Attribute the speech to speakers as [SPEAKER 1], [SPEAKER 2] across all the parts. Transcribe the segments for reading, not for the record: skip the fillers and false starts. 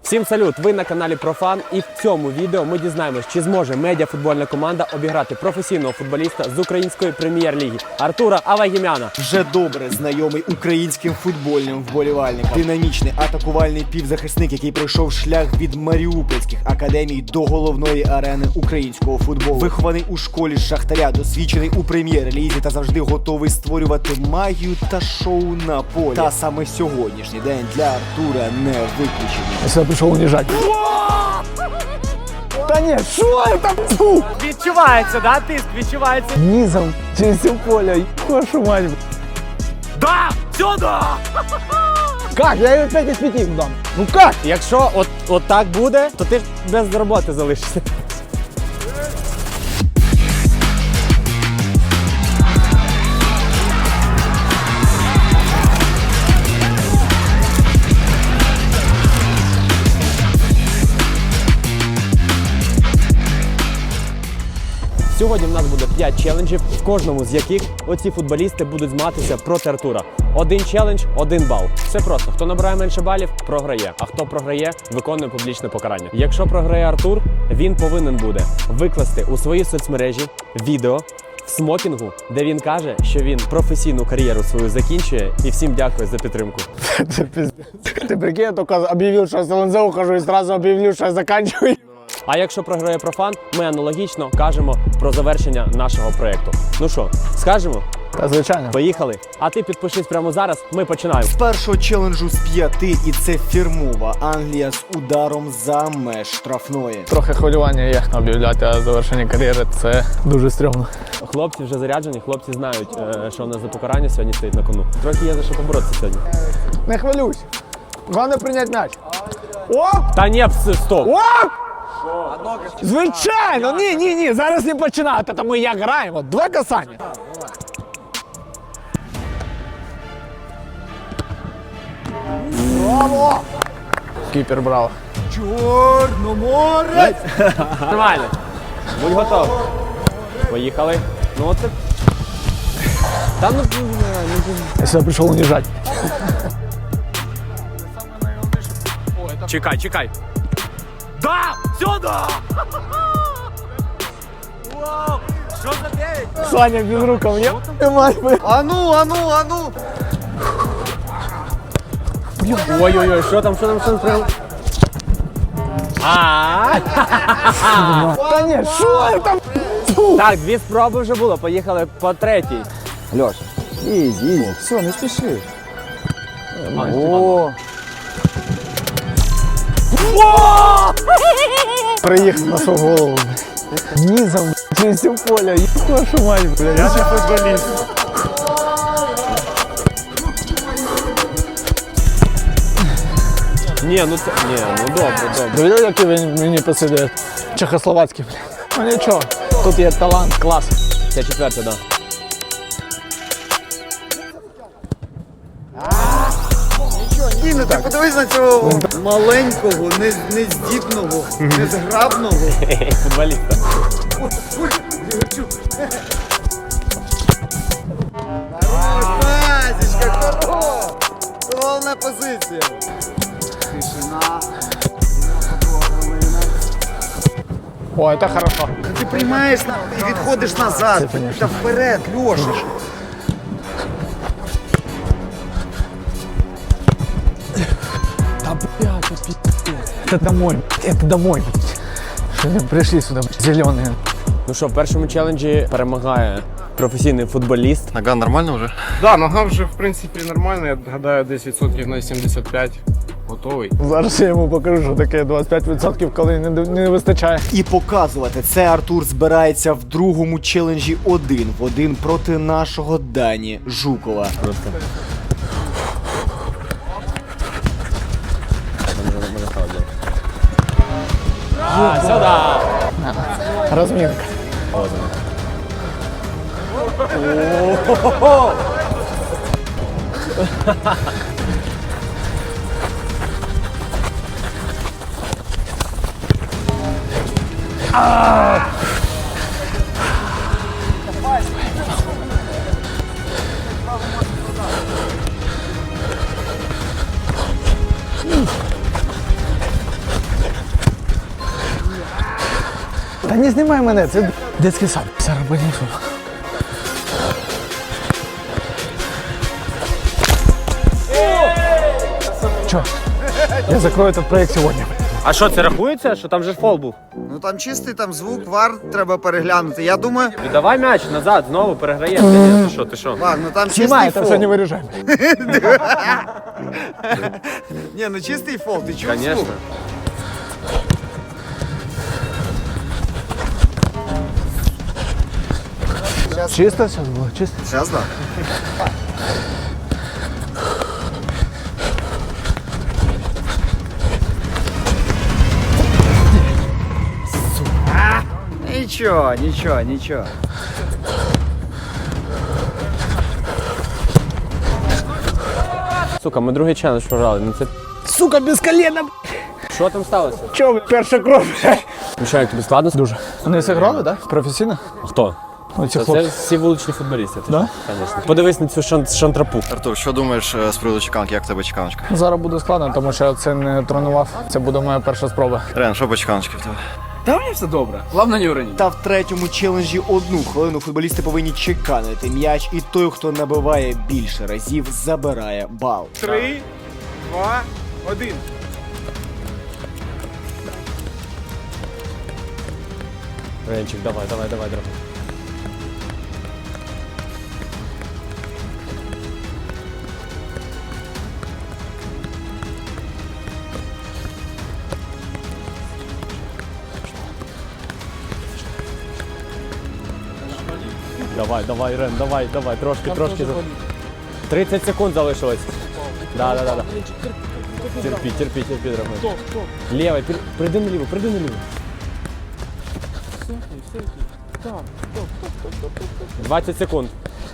[SPEAKER 1] Всім салют! Ви на каналі Профан, і в цьому відео ми дізнаємось, чи зможе медіафутбольна команда обіграти професійного футболіста з української прем'єр-ліги Артура Авагімяна.
[SPEAKER 2] Вже добре знайомий українським футбольним вболівальникам. Динамічний атакувальний півзахисник, який пройшов шлях від маріупольських академій до головної арени українського футболу. Вихований у школі Шахтаря, досвідчений у прем'єр-лізі та завжди готовий створювати магію та шоу на полі. Та саме сьогоднішній день для Артура не виключений.
[SPEAKER 3] Я сюди прийшов уніжати. Та ні, що там? Фу!
[SPEAKER 1] Відчувається, да, тиск? Відчувається.
[SPEAKER 3] Низом через все поле, вашу мать.
[SPEAKER 1] Да! Сюди!
[SPEAKER 3] Как? Я ее 5 из 5 дам. Ну как?
[SPEAKER 1] Якщо от так буде, то ти без роботи залишишся. Сьогодні в нас буде 5 челенджів, в кожному з яких оці футболісти будуть змагатися проти Артура. Один челендж, 1 бал. Все просто. Хто набирає менше балів, програє. А хто програє, виконує публічне покарання. Якщо програє Артур, він повинен буде викласти у свої соцмережі відео в смокінгу, де він каже, що він професійну кар'єру свою закінчує, і всім дякую за підтримку.
[SPEAKER 3] Ты прикинь, я только объявил, что я с ЛНЗ ухожу и сразу объявил, что я заканчиваю.
[SPEAKER 1] А якщо програє Профан, ми аналогічно кажемо про завершення нашого проєкту. Ну що, скажемо?
[SPEAKER 3] Та звичайно.
[SPEAKER 1] Поїхали. А ти підпишись прямо зараз, ми починаємо.
[SPEAKER 2] З першого челенджу з 5, і це фірмова Англія з ударом за меж штрафної.
[SPEAKER 3] Трохи хвилювання є об'являти, а завершення кар'єри – це дуже стрьомно.
[SPEAKER 1] Хлопці вже заряджені, хлопці знають, що у нас за покарання сьогодні стоїть на кону. Трохи є за що поборотися сьогодні.
[SPEAKER 3] Не хвилюйся. Головне прийняти м'яч. О!
[SPEAKER 1] Та ні, стоп!
[SPEAKER 3] О! Звичайно! Ні, зараз не починати, тому як граємо. 2 касання. Браво! Кіпер браво.
[SPEAKER 2] Чорноморець!
[SPEAKER 1] Нормально. Будь готовий. Поїхали. Ну от це... Та ну...
[SPEAKER 3] Я сюди прийшов уніжати.
[SPEAKER 1] Чекай. Да! Сюди! Вау! Що за 9?
[SPEAKER 3] Саня без рукав є? Немає.
[SPEAKER 2] Ану!
[SPEAKER 1] Ой-ой-ой, що там?
[SPEAKER 3] Та ні, що там?
[SPEAKER 1] Так, 2 спроби вже було, поїхали по 3-й.
[SPEAKER 2] Льоша, ізі, все, не спіши.
[SPEAKER 3] О! Приїхав на свою голову. Низом через все поле, вашу мать, блядь.
[SPEAKER 2] Я ще футболіст.
[SPEAKER 1] Ні, ну добре.
[SPEAKER 3] Довели, як він мені посидить? Чехословацький, блядь. Ну нічого, тут є талант, клас.
[SPEAKER 1] Це 4-та, да.
[SPEAKER 2] Ні, ти подивись на цього маленького, нездібного, незграбного.
[SPEAKER 1] Футболіста.
[SPEAKER 2] Пасічка, хорош! Головна позиція. Тишина.
[SPEAKER 3] О, це хорошо.
[SPEAKER 2] Ти приймаєш і відходиш назад. Та вперед, Льоша.
[SPEAKER 3] Да, блядь, это пиздец. Это домой, это домой. Что они пришли сюда, зеленые.
[SPEAKER 1] Ну що, в першому челенджі перемагає професійний футболіст.
[SPEAKER 4] Нога нормально вже?
[SPEAKER 5] Да, нога вже в принципі нормальна, я гадаю, десь відсотків на 75 готовий.
[SPEAKER 3] Зараз я йому покажу, що таке 25%, коли не вистачає.
[SPEAKER 2] І показувати це Артур збирається в другому челенджі 1 в 1 проти нашого Дані Жукова.
[SPEAKER 1] Просто. Сюди!
[SPEAKER 3] Розмінка. Та не знімай мене, це дитячий сад. Зараз понесу. Чо? Я закрою этот проект сьогодні.
[SPEAKER 1] А що, це рахується, що там же фол був?
[SPEAKER 4] Ну там чистий там звук, вар треба переглянути. Я думаю,
[SPEAKER 1] Віддавай м'яч назад, знову переграємо. Ти що?
[SPEAKER 4] ладно, там
[SPEAKER 3] Знімай,
[SPEAKER 4] чистий
[SPEAKER 3] це
[SPEAKER 4] фол.
[SPEAKER 3] все не виріжай.
[SPEAKER 4] Ні, ну чистий фол, ти чув
[SPEAKER 1] Конечно.
[SPEAKER 4] звук?
[SPEAKER 3] Чисто все було, чисто.
[SPEAKER 4] Зараз так. Нічого, нічого, нічого.
[SPEAKER 1] Сука, ми другий челендж програли. Ну це...
[SPEAKER 3] Сука, без колена.
[SPEAKER 1] Що там сталося?
[SPEAKER 3] Чо, перша кров?
[SPEAKER 1] Ну що, як тобі складно? Дуже.
[SPEAKER 3] Вони зіграли, так? Професійно?
[SPEAKER 1] Хто?
[SPEAKER 3] Ну, ці
[SPEAKER 1] Це
[SPEAKER 3] хлопці.
[SPEAKER 1] всі вуличні футболісти.
[SPEAKER 3] Да?
[SPEAKER 1] Звісно. Подивись на цю шантрапу.
[SPEAKER 4] Артур, що думаєш з приводу чеканки? Як в тебе чеканочка?
[SPEAKER 3] Зараз буде складно, тому що я це не тренував. Це буде моя перша спроба.
[SPEAKER 4] Рен, що по чеканочці в тебе?
[SPEAKER 2] Та в третьому челенджі 1 хвилину футболісти повинні чеканити м'яч, і той, хто набиває більше разів, забирає бал.
[SPEAKER 5] 3, 2, 1.
[SPEAKER 1] Ренчик, давай. Давай, Рен, давай, трошки. 30 секунд залишилось. Да. Терпи, дорогой. Левой, приди наліво. 20 секунд.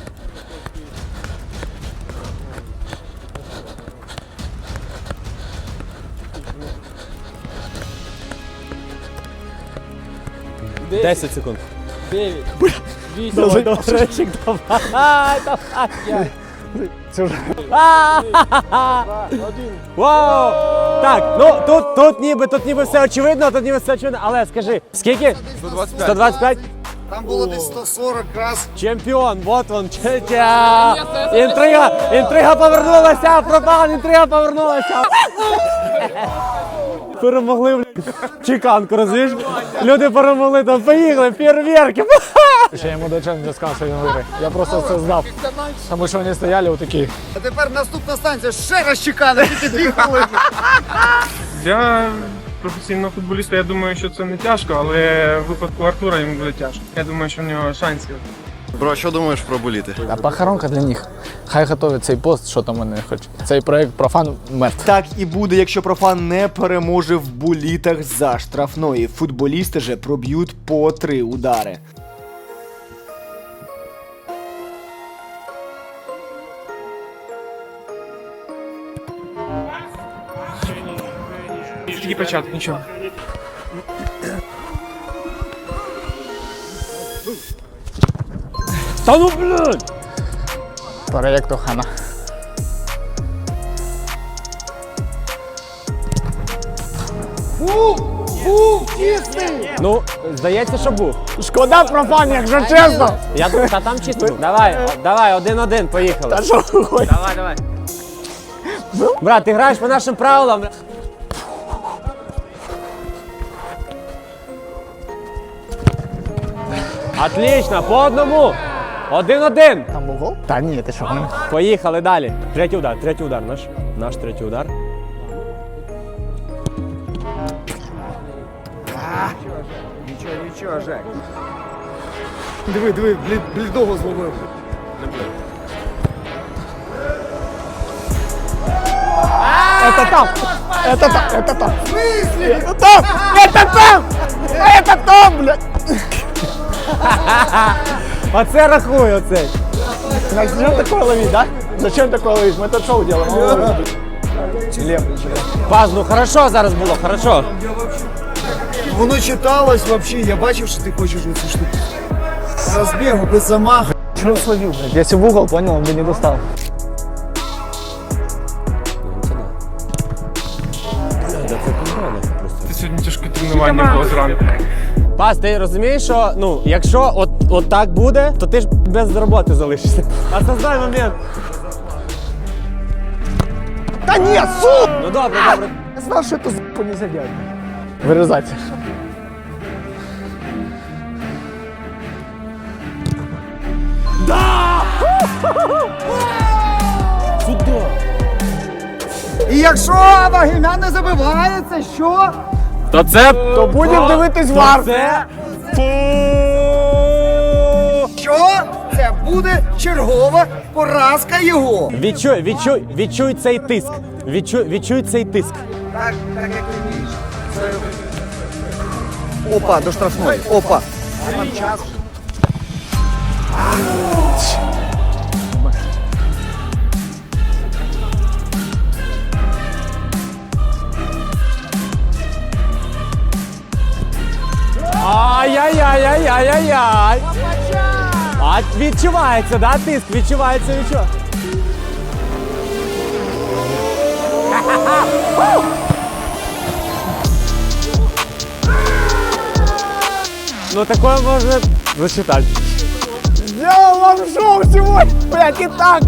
[SPEAKER 1] Десять секунд. 9, 8, давай, Ренчик, давай.
[SPEAKER 3] Це вже
[SPEAKER 1] Вау! Так, ну тут ніби все очевидно, але скажи, скільки? 125?
[SPEAKER 4] Там було десь 140 раз.
[SPEAKER 1] Чемпіон, вот он, інтрига повернулася, пропан, інтрига повернулася. Перемогли, блядь, чеканку, розумієш? Люди перемогли, там поїхали, фейерверки.
[SPEAKER 3] ще йому до чого не сказав, що він виграє. Я просто це знав. Тому що вони стояли отакі.
[SPEAKER 4] А тепер наступна станція ще раз чеканити, тільки 2 хвилини.
[SPEAKER 5] Для професійного футболіста я думаю, що це не тяжко, але в випадку Артура йому буде тяжко. Я думаю, що в нього шансів.
[SPEAKER 4] Бро, що думаєш про буліти?
[SPEAKER 3] А похоронка для них. Хай готовить цей пост, що там вони хочуть. Цей проект профан мертв.
[SPEAKER 2] Так і буде, якщо профан не переможе в булітах за штрафної. Футболісти же проб'ють по 3 удари.
[SPEAKER 5] Тільки початок, нічого.
[SPEAKER 1] Та ну, блядь!
[SPEAKER 3] Проект Охана.
[SPEAKER 1] Ну, здається, що був.
[SPEAKER 3] Шкода профан, якщо чесно.
[SPEAKER 1] Я думаю, та там чисто був. Давай, 1-1, поїхали.
[SPEAKER 3] Та що ви хочете?
[SPEAKER 1] Давай. Брат, ти граєш по нашим правилам. Отлично, по одному. 1-1.
[SPEAKER 3] Там був гол? Та ні, ти що?
[SPEAKER 1] Поїхали далі. Третій удар, наш третій удар.
[SPEAKER 4] Нічого, Жек.
[SPEAKER 2] Диви, блідого зловив.
[SPEAKER 3] Это там! Это там! Это там! В смысле? Это там! Это там! Это там, блядь!
[SPEAKER 1] Оце рахуй, оцей.
[SPEAKER 3] Зачем такое ловить, да? Зачем такое ловить? Мы это шоу делаем.
[SPEAKER 1] Паз, ну хорошо зараз було, хорошо.
[SPEAKER 4] Воно читалось взагалі, я бачив, що ти хочеш оцю штуку. Розбігу, без замаху.
[SPEAKER 3] Чего словил, блядь? Если в угол, понял, он бы не достал.
[SPEAKER 5] Це сьогодні тяжке тренування було зранку.
[SPEAKER 1] Пас, ти розумієш, що ну, якщо от так буде, то ти ж без роботи залишишся. Осознай момент.
[SPEAKER 3] Да нет, суп!
[SPEAKER 1] Ну добре, добре.
[SPEAKER 3] Я знал, что это за***у нельзя делать. Вырезать.
[SPEAKER 1] Сюди.
[SPEAKER 4] І якщо Вагіна не забивається, що?
[SPEAKER 1] То це...
[SPEAKER 3] То будем дивитись вар.
[SPEAKER 1] Це...
[SPEAKER 4] Що? Це буде чергова поразка його.
[SPEAKER 1] Відчуй цей тиск. Відчуй цей тиск.
[SPEAKER 4] Так як ти вмієш. Опа, до штрафної. Опа. Там час.
[SPEAKER 1] Ай-яй-яй-яй-яй-яй-яй. А відчувається, да, тиск? Відчувається. Ну такое можно засчитать.
[SPEAKER 3] Сделал вам шоу сегодня, блядь, и так.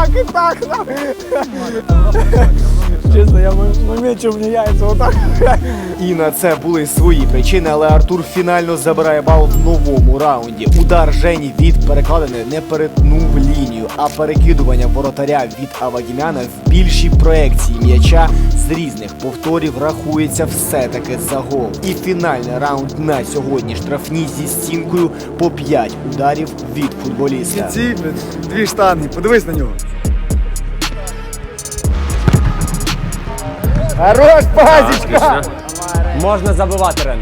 [SPEAKER 3] Честно, я момент, мне яйца вот так.
[SPEAKER 2] І на це були свої причини, але Артур фінально забирає бал в новому раунді. Удар Жені від перекладини не перетнув лінію, а перекидування воротаря від Авагімяна в більшій проекції м'яча з різних повторів рахується все-таки за гол. І фінальний раунд на сьогодні штрафні зі стінкою по 5 ударів від футболіста.
[SPEAKER 4] Ці дві штанги, подивись на нього.
[SPEAKER 3] Хорош, пазичка!
[SPEAKER 1] Можна забивати, Рен.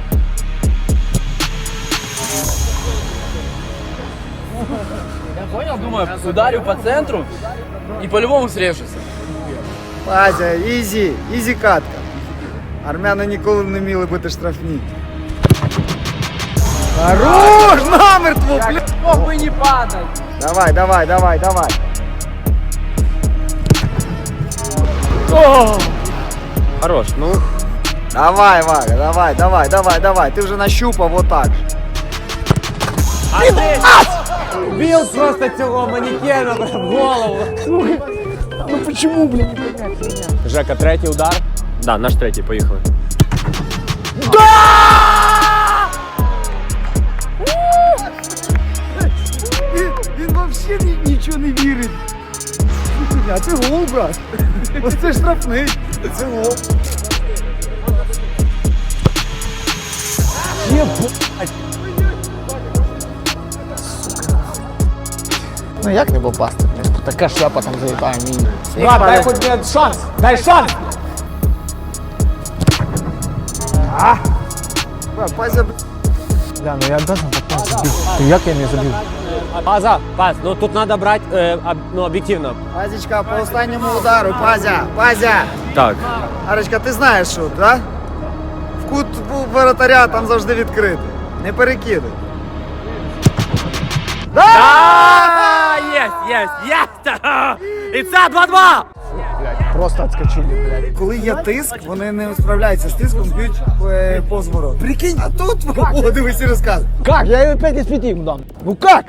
[SPEAKER 6] Я понял, думаю, ударю по центру и по-любому срежуся.
[SPEAKER 4] Пазя, ізі катка. Армяни ніколи не вміли бити штрафні. Хорош, намертво, блядь.
[SPEAKER 6] Мог бы не падать.
[SPEAKER 4] Давай.
[SPEAKER 1] Хорош, ну.
[SPEAKER 4] Давай, Вага, давай. Ти вже нащупав отак.
[SPEAKER 1] Біл просто цього манекена в голову.
[SPEAKER 3] Ну почему, блин, не понять?
[SPEAKER 1] Жека, третій удар. Да, наш третій, поїхали.
[SPEAKER 4] Він взагалі нічого не вірить. А це гол, брат. Ось це штрафний. Це гол.
[SPEAKER 3] Ну як не попасти? Така шляпа там залітає мені. Брат, дай хоч мені шанс! Дай шанс!
[SPEAKER 4] Брат, Пазя,
[SPEAKER 3] Бля, ну я должен потом забить. То як я не забив?
[SPEAKER 1] Пас, ну тут треба брати, ну, об'єктивно.
[SPEAKER 4] Пазічка, по останньому удару, Пазя.
[SPEAKER 1] Так.
[SPEAKER 4] Арочка, ти знаєш що, да? В кут воротаря там завжди відкритий. Не перекидай.
[SPEAKER 1] Єсть! І це 2-2!
[SPEAKER 3] Просто отскочили, блядь.
[SPEAKER 4] Коли є тиск, вони не справляються з тиском, б'ють повз ворот. Прикинь, а тут, о, дивись і розказуй.
[SPEAKER 3] Как? Я ее 5 из 5 ему дам. Ну как?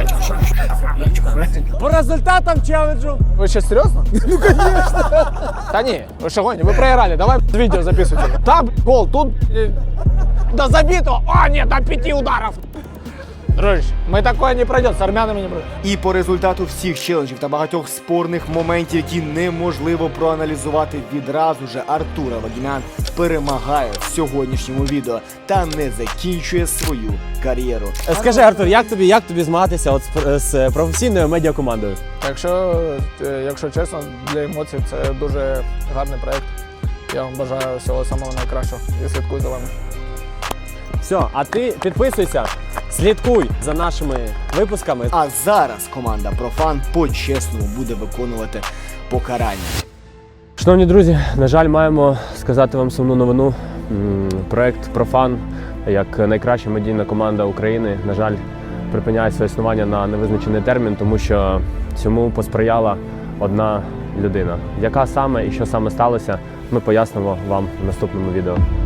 [SPEAKER 1] По результатам челенджу.
[SPEAKER 3] Вы сейчас серьезно? Ну конечно. Да не, вы что гоните? Вы проиграли. Давай видео записывайте. Там гол, тут до забитого. А, нет, до 5 ударов. Дружище, мы такое не пройдем, с армянами не пройдем.
[SPEAKER 2] І по результату всіх челенджів та багатьох спорних моментів, які неможливо проаналізувати відразу же, Артур Авагімян перемагає в сьогоднішньому відео та не закінчує свою кар'єру.
[SPEAKER 1] Скажи, Артур, як тобі змагатися от з професійною медіакомандою?
[SPEAKER 3] Якщо чесно, для емоцій це дуже гарний проект. Я вам бажаю всього самого найкращого і слідкую за вами.
[SPEAKER 1] Все, а ти підписуйся, слідкуй за нашими випусками.
[SPEAKER 2] А зараз команда Профан по-чесному буде виконувати покарання.
[SPEAKER 1] Шановні друзі, на жаль, маємо сказати вам сумну новину. Проект Профан, як найкраща медійна команда України, на жаль, припиняє своє існування на невизначений термін, тому що цьому посприяла одна людина. Яка саме і що саме сталося, ми пояснимо вам в наступному відео.